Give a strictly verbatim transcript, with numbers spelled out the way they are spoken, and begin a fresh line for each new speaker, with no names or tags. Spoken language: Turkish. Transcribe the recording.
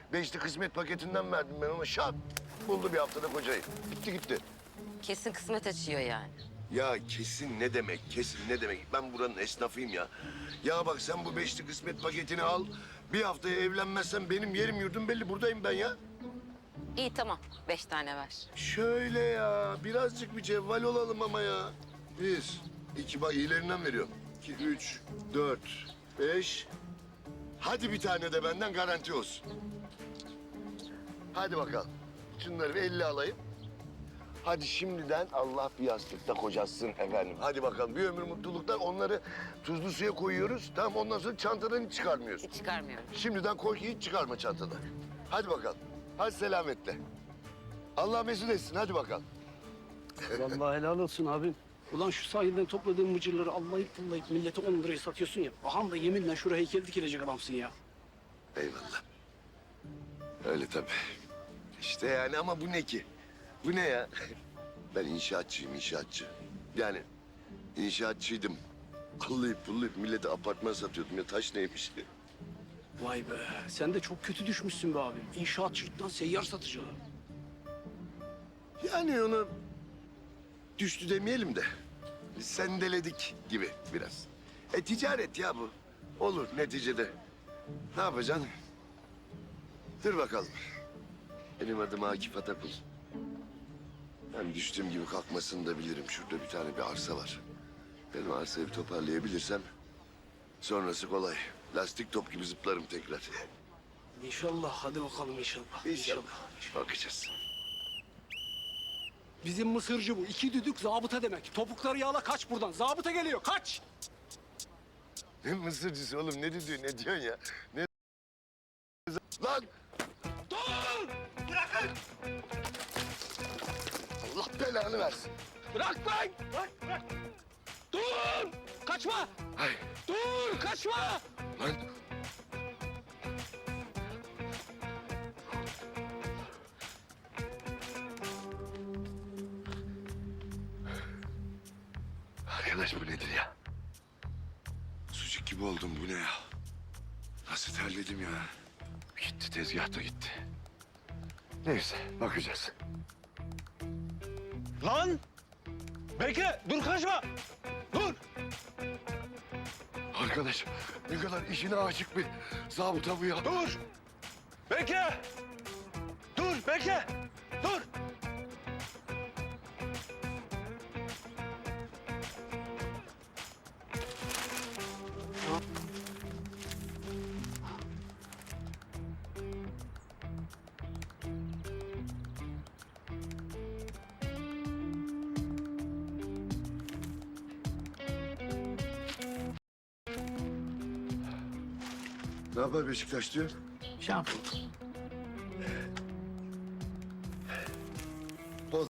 Beşli kısmet paketinden verdim ben ona. Şak buldu bir haftada kocayı. Gitti gitti.
Kesin kısmet açıyor yani.
Ya kesin ne demek, kesin ne demek? Ben buranın esnafıyım ya. Ya bak sen bu beşli kısmet paketini al. Bir haftaya evlenmezsen benim yerim yurdum belli. Buradayım ben ya.
İyi tamam. Beş tane ver.
Şöyle ya, birazcık bir cevval olalım ama ya. Bir, iki, bak iyilerinden veriyorum. İki, üç, dört, beş. Hadi bir tane de benden garanti olsun. Hadi bakalım. Şunları bir elli alayım. Hadi şimdiden Allah bir yastıkta kocasın efendim. Hadi bakalım bir ömür mutluluklar. Onları tuzlu suya koyuyoruz. Tamam ondan sonra çantadan hiç çıkarmıyorsun.
Hiç çıkarmıyorum.
Şimdiden koy ki hiç çıkarma çantadan. Hadi bakalım. Hadi selametle. Allah mesut etsin. Hadi bakalım.
Vallahi helal olsun abim. Ulan şu sahilden topladığın mıcırları allayıp pullayıp millete on liraya satıyorsun ya. Aham da yeminle şuraya heykel dikilecek adamsın ya.
Eyvallah. Öyle tabii. İşte yani ama bu ne ki? Bu ne ya? Ben inşaatçıyım, inşaatçı. Yani inşaatçıydım. Allayıp pullayıp millete apartman satıyordum ya. Taş neymiş?
Vay be, sen de çok kötü düşmüşsün be abim. İnşaatçılıktan seyyar satıcılığa.
Yani onu düştü demeyelim de sendeledik gibi biraz. E ticaret ya bu. Olur neticede. Ne yapacaksın? Dur bakalım. Benim adım Akif Atakul. Ben düştüğüm gibi kalkmasını da bilirim. Şurada bir tane bir arsa var. Benim arsayı bir toparlayabilirsem sonrası kolay. Lastik top gibi zıplarım tekrar.
İnşallah, hadi bakalım inşallah.
İnşallah. Bakacağız.
Bizim mısırcı bu. İki düdük zabıta demek. Topukları yağla kaç buradan. Zabıta geliyor, kaç!
Ne mısırcısı oğlum? Ne diyor, ne diyorsun ya? Ne... Lan!
Dur! Bırakın!
Allah belanı versin.
Bırak lan! Bırak, bırak! Dur! Kaçma!
Ay
Dur, kaçma!
lan! Arkadaş bu nedir ya? Sucuk gibi oldum bu ne ya? Nasıl terledim ya? Gitti tezgah da gitti. Neyse bakacağız.
Lan! Bekle, dur kaçma! Dur!
Arkadaş ne kadar işine aşık bir zabıta bu ya.
Dur! Bekle! Dur, bekle! Dur!
Ne yapar Beşiktaş diyor?
Şampiyon.